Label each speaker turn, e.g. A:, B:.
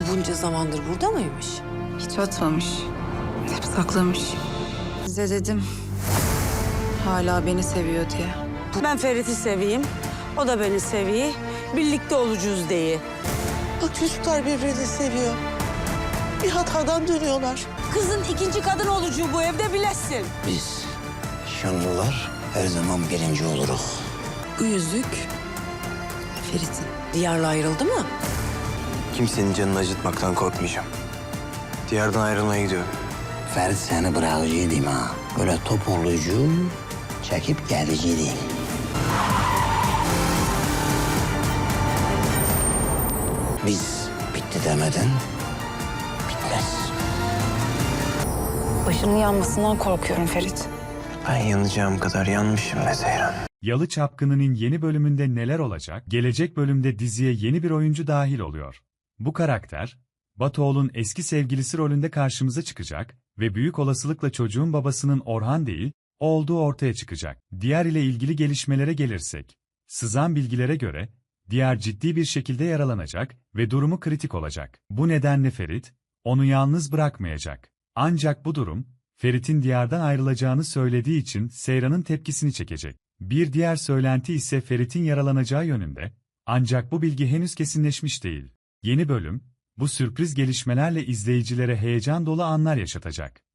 A: bunca zamandır burada mıymış?
B: Hiç atmamış. Hep saklamış. Size dedim. Hala beni seviyor diye.
C: Ben Ferit'i seveyim, o da beni seviyor. Birlikte olacağız diye.
D: Bak çocuklar birbirini seviyor. Bir hatadan dönüyorlar.
C: Kızın ikinci kadın olacağı bu evde bilesin.
E: Biz Şanlılar her zaman birinci oluruz.
B: Bu yüzük Ferit'in.
A: Diyarla ayrıldı mı?
F: Kimsenin canını acıtmaktan korkmayacağım. Diyardan ayrılmaya gidiyorum.
E: Ferit seni bırakıcı değil ha. Böyle toparlayıcı, çekip gelici değil. Biz bitti demeden bitmez.
B: Başının yanmasından korkuyorum Ferit.
F: Ben yanacağım kadar yanmışım be Seyran.
G: Yalı Çapkını'nın yeni bölümünde neler olacak? Gelecek bölümde diziye yeni bir oyuncu dahil oluyor. Bu karakter, Batuoğlu'nun eski sevgilisi rolünde karşımıza çıkacak ve büyük olasılıkla çocuğun babasının Orhan değil, olduğu ortaya çıkacak. Diğer ile ilgili gelişmelere gelirsek, sızan bilgilere göre, Diğer ciddi bir şekilde yaralanacak ve durumu kritik olacak. Bu nedenle Ferit, onu yalnız bırakmayacak. Ancak bu durum, Ferit'in Diyar'dan ayrılacağını söylediği için Seyran'ın tepkisini çekecek. Bir diğer söylenti ise Ferit'in yaralanacağı yönünde, ancak bu bilgi henüz kesinleşmiş değil. Yeni bölüm, bu sürpriz gelişmelerle izleyicilere heyecan dolu anlar yaşatacak.